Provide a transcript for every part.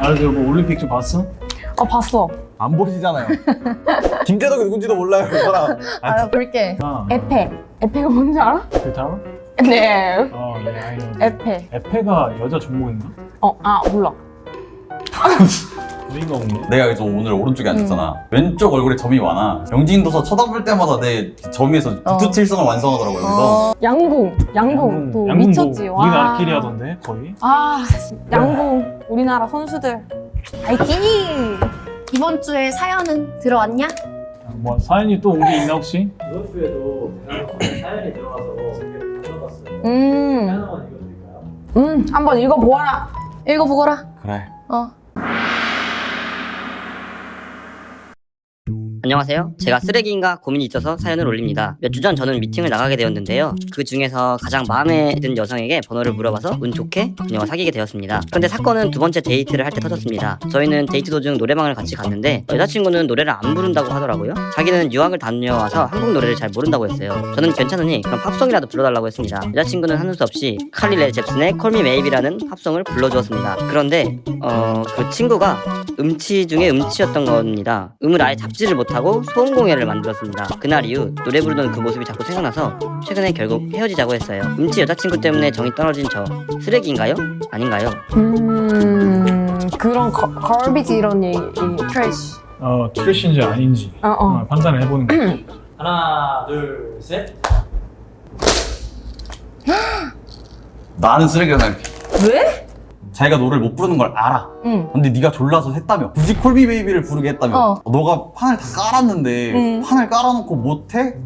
그 뭐 올림픽 좀 봤어? 봤어. 안 보시잖아요. 김재덕이 누군지도 몰라요, 그 사람. 볼게. 아, 에페가 뭔지 알아? 그타로? 네. 예, 아이언. 에페. 에페가 여자 종목인가? 몰라. 의미가 없네. 내가 그래서 오늘 오른쪽에 앉았잖아. 왼쪽 얼굴에 점이 많아. 영진도서 쳐다볼 때마다 내 점에서 북두칠성을 완성하더라고요. 그래서 양궁 또 양궁 미쳤지. 뭐 우리나라끼리 하던데 거의. 양궁 우리나라 선수들 파이팅! 이번 주에 사연은 들어왔냐? 뭐 사연이 또 온 게 있나 혹시? 이번 주에도 사연이 들어가서 가져봤어요. 하나만 읽어드릴까요? 한번 읽어보아라. 읽어보거라. 그래. 안녕하세요. 제가 쓰레기인가 고민이 있어서 사연을 올립니다. 몇 주 전 저는 미팅을 나가게 되었는데요. 그 중에서 가장 마음에 든 여성에게 번호를 물어봐서 운 좋게 그녀와 사귀게 되었습니다. 그런데 사건은 두 번째 데이트를 할 때 터졌습니다. 저희는 데이트 도중 노래방을 같이 갔는데 여자친구는 노래를 안 부른다고 하더라고요. 자기는 유학을 다녀와서 한국 노래를 잘 모른다고 했어요. 저는 괜찮으니 그럼 팝송이라도 불러달라고 했습니다. 여자친구는 하는 수 없이 칼리 레 잽슨의 Call Me Maybe라는 팝송을 불러주었습니다. 그런데 그 친구가 음치 중에 음치였던 겁니다. 음을 아예 잡지를 못하고 소음공예를 만들었습니다. 그날 이후 노래 부르던 그 모습이 자꾸 생각나서 최근에 결국 헤어지자고 했어요. 음치 여자친구 때문에 정이 떨어진 저 쓰레기인가요? 아닌가요? 그런 걸비지 이런 얘기 트래쉬. 트래쉬인지 아닌지 판단을 해보는 거지. 하나, 둘, 셋. 나는 쓰레기가 생각해. 왜? 자기가 노래를 못 부르는 걸 알아. 응. 근데 네가 졸라서 했다며. 굳이 콜미 베이비를 부르게 했다며. 너가 판을 다 깔았는데 판을 깔아놓고 못해?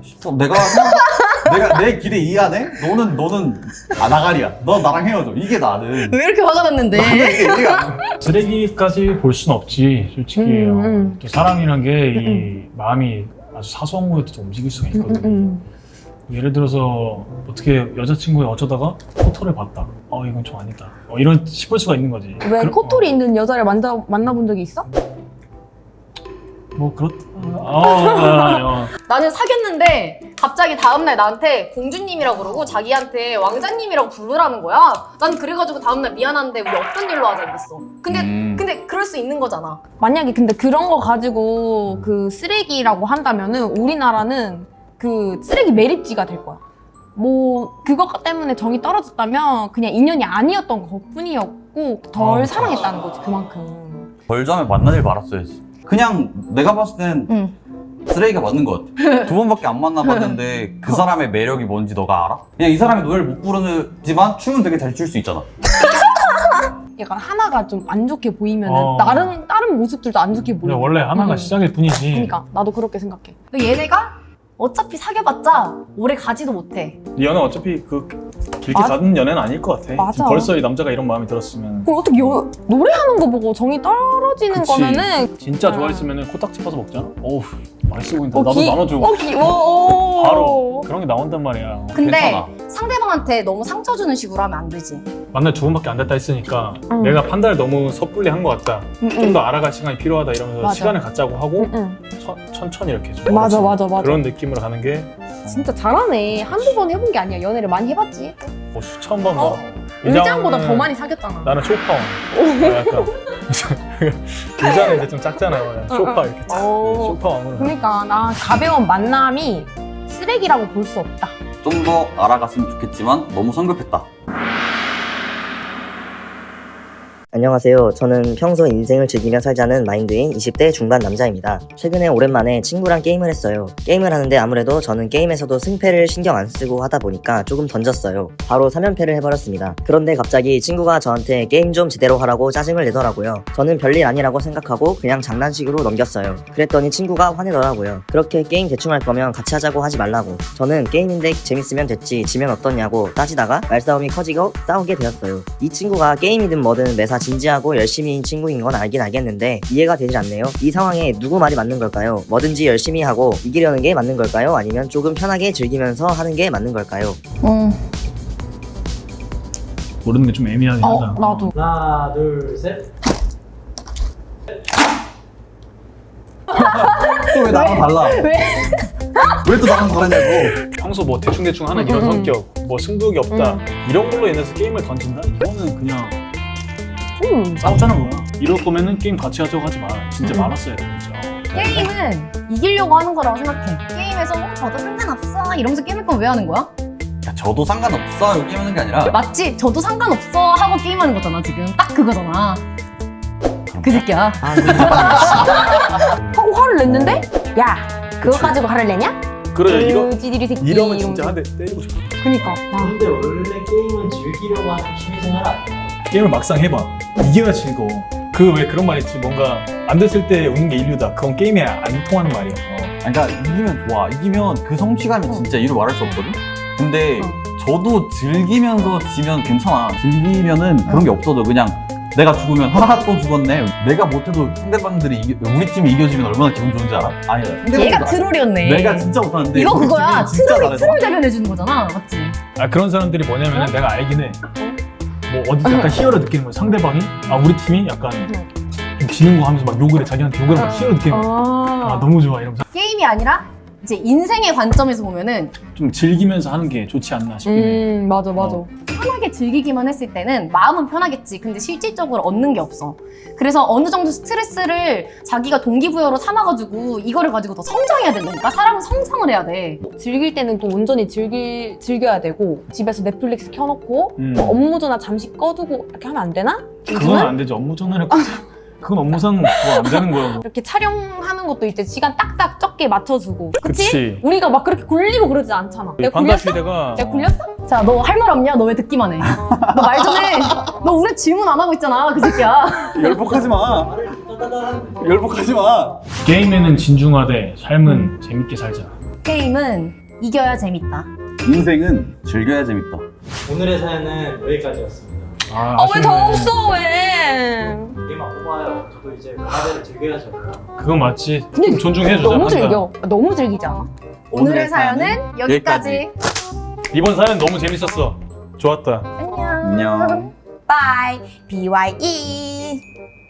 내가 내 길에 이해하네? 너는 나가리야. 너 나랑 헤어져. 이게 나는. 왜 이렇게 화가 났는데? 이게 이해가 안 돼. 쓰레기까지 볼 순 없지 솔직히. 또 사람이란 게 이 마음이 아주 사소한 거에도 좀 움직일 수가 있거든. 예를 들어서 어떻게 여자친구가 어쩌다가 코털을 봤다. 이건 좀 아니다. 이런 싶을 수가 있는 거지. 왜 코털이 있는 여자를 만나본 적이 있어? 뭐 그렇다. 나는 사귀었는데 갑자기 다음날 나한테 공주님이라고 그러고 자기한테 왕자님이라고 부르라는 거야. 난 그래가지고 다음날 미안한데 우리 없던 일로 하자 이랬어. 근데 그럴 수 있는 거잖아. 만약에 근데 그런 거 가지고 그 쓰레기라고 한다면은 우리나라는 그 쓰레기 매립지가 될 거야. 뭐 그것 때문에 정이 떨어졌다면 그냥 인연이 아니었던 것뿐이었고 덜 사랑했다는 거지 그만큼. 벌자면 만날 일 말았어야지. 그냥 내가 봤을 땐 쓰레기가 맞는 것 같아. 두 번밖에 안 만나봤는데 그 사람의 매력이 뭔지 너가 알아? 그냥 이 사람이 노래를 못 부르지만 춤은 되게 잘 출 수 있잖아. 약간 하나가 좀 안 좋게 보이면은 다른 모습들도 안 좋게 보여. 원래 하나가 시작일 뿐이지. 그러니까 나도 그렇게 생각해. 근데 얘네가 어차피 사귀어봤자 오래 가지도 못해. 이 연애 어차피 그 길게 맞아. 가는 연애는 아닐 것 같아. 맞아. 지금 벌써 이 남자가 이런 마음이 들었으면. 그럼 어떻게 노래하는 거 보고 정이 떨어지는 그치. 거면은 진짜 좋아했으면 코딱지 파서 먹잖아. 어우 맛있어 보인다. 어, 나도 나눠줘. 귀여워. 바로 그런 게 나온단 말이야. 근데 괜찮아. 상대방한테 너무 상처 주는 식으로 하면 안 되지. 만날 두 번밖에 안 됐다 했으니까 내가 판단을 너무 섣불리 한 것 같다. 좀 더 알아갈 시간이 필요하다 이러면서 맞아. 시간을 갖자고 하고 응. 천천히 이렇게 좀 맞아. 그런 느낌으로 가는 게 진짜 잘하네. 한두 번 해본 게 아니야. 연애를 많이 해봤지. 뭐 수천 번 뭐. 의장보다 이장은 더 많이 사귀었잖아. 나는 쇼파. 약간 의자는 이제 좀 작잖아요. 쇼파 이렇게 쫙. 쇼파 왕으로. 그러니까 나 가벼운 만남이 쓰레기라고 볼 수 없다. 좀 더 알아갔으면 좋겠지만 너무 성급했다. 안녕하세요. 저는 평소 인생을 즐기며 살자는 마인드인 20대 중반 남자입니다. 최근에 오랜만에 친구랑 게임을 했어요. 게임을 하는데 아무래도 저는 게임에서도 승패를 신경 안 쓰고 하다 보니까 조금 던졌어요. 바로 3연패를 해버렸습니다. 그런데 갑자기 친구가 저한테 게임 좀 제대로 하라고 짜증을 내더라고요. 저는 별일 아니라고 생각하고 그냥 장난식으로 넘겼어요. 그랬더니 친구가 화내더라고요. 그렇게 게임 대충 할 거면 같이 하자고 하지 말라고. 저는 게임인데 재밌으면 됐지 지면 어떠냐고 따지다가 말싸움이 커지고 싸우게 되었어요. 이 친구가 게임이든 뭐든 매사 진지하고 열심히인 친구인 건 알긴 알겠는데 이해가 되질 않네요. 이 상황에 누구 말이 맞는 걸까요? 뭐든지 열심히 하고 이기려는 게 맞는 걸까요? 아니면 조금 편하게 즐기면서 하는 게 맞는 걸까요? 모르는 게 좀 애매하긴 하다. 나도. 하나, 둘, 셋. 또 왜 나랑 달라? 왜 또 나랑 다르냐고. 평소 뭐 대충대충 하는 이런 성격, 뭐 승부욕이 없다 이런 걸로 인해서 게임을 던진다? 이거는 그냥 싸웠잖아 뭐야. 이럴 거면은 게임 같이 하자고 하지 마. 진짜 많았어야 돼 진짜. 게임은 이기려고 하는 거라고 생각해. 게임에서 저도 상관없어 이러면서 게임할 건 왜 하는 거야? 야, 저도 상관없어 여기 게임하는 게 아니라 맞지? 저도 상관없어 하고 게임하는 거잖아 지금. 딱 그거잖아. 그 새끼야. 하고 화를 냈는데? 야 그거 가지고 화를 내냐? 그래 찌질이 새끼 이러면 진짜 한 대 때리고 싶어. 그니까 야. 근데 원래 게임은 즐기려고 하는 취미생활 아니야? 게임을 막상 해봐. 이겨야 즐거워. 그 왜 그런 말 있지? 뭔가 안 됐을 때 우는 게 인류다. 그건 게임에 안 통하는 말이야. 그러니까 이기면 좋아. 이기면 그 성취감이 진짜 이루 말할 수 없거든. 근데 저도 즐기면서 지면 괜찮아. 즐기면은 그런 게 없어져. 그냥 내가 죽으면 하하 또 죽었네. 내가 못해도 상대방들이 우리 팀이 이겨주면 얼마나 기분 좋은지 알아? 아니다. 얘가 트롤이었네. 내가 진짜 못하는데 이거 우리 그거야. 팀이 진짜 잘해서. 트롤 대변해주는 거잖아. 맞지? 아 그런 사람들이 뭐냐면은 내가 알긴 해. 뭐 어디 약간 희열을 느끼는 거야. 상대방이 우리 팀이 약간 좀 지는 거 하면서 막 욕을 해. 자기한테 욕을 하면서 희열을 느끼는 거야. 아 너무 좋아 이러면서 게임이 아니라 이제 인생의 관점에서 보면은 좀 즐기면서 하는 게 좋지 않나 싶긴 해. 맞아 편하게 즐기기만 했을 때는 마음은 편하겠지. 근데 실질적으로 얻는 게 없어. 그래서 어느 정도 스트레스를 자기가 동기부여로 삼아가지고 이거를 가지고 더 성장해야 된다니까. 사람은 성장을 해야 돼. 즐길 때는 또 온전히 즐겨야 되고 집에서 넷플릭스 켜놓고 뭐 업무 전화 잠시 꺼두고 이렇게 하면 안 되나? 그건 안 되지. 업무 전화를 그건 업무상 그거 안 되는 거야. 이렇게 촬영하는 것도 이제 시간 딱딱 적게 맞춰주고 그치? 그치. 우리가 막 그렇게 굴리고 그러지 않잖아. 내가 판다 굴렸어? 시대가 내가 굴렸어? 자, 너 할 말 없냐? 너 왜 듣기만 해? 너 말 좀 해. 너 우리 질문 안 하고 있잖아. 그 새끼야. 열폭하지 마. 말을 따다다한 열폭하지 마. 게임에는 진중하되 삶은 재밌게 살자. 게임은 이겨야 재밌다. 인생은 즐겨야 재밌다. 오늘의 사연은 여기까지였습니다. 왜 더 없어 왜? 게임만 뽑아요. 저도 이제 문화재를 즐겨야죠. 그건 맞지. 좀 존중해주자. 너무 판다. 즐겨. 너무 즐기지 않아? 오늘의 사연은 여기까지. 이번 사연 너무 재밌었어. 좋았다. 안녕. 안녕. Bye. BYE.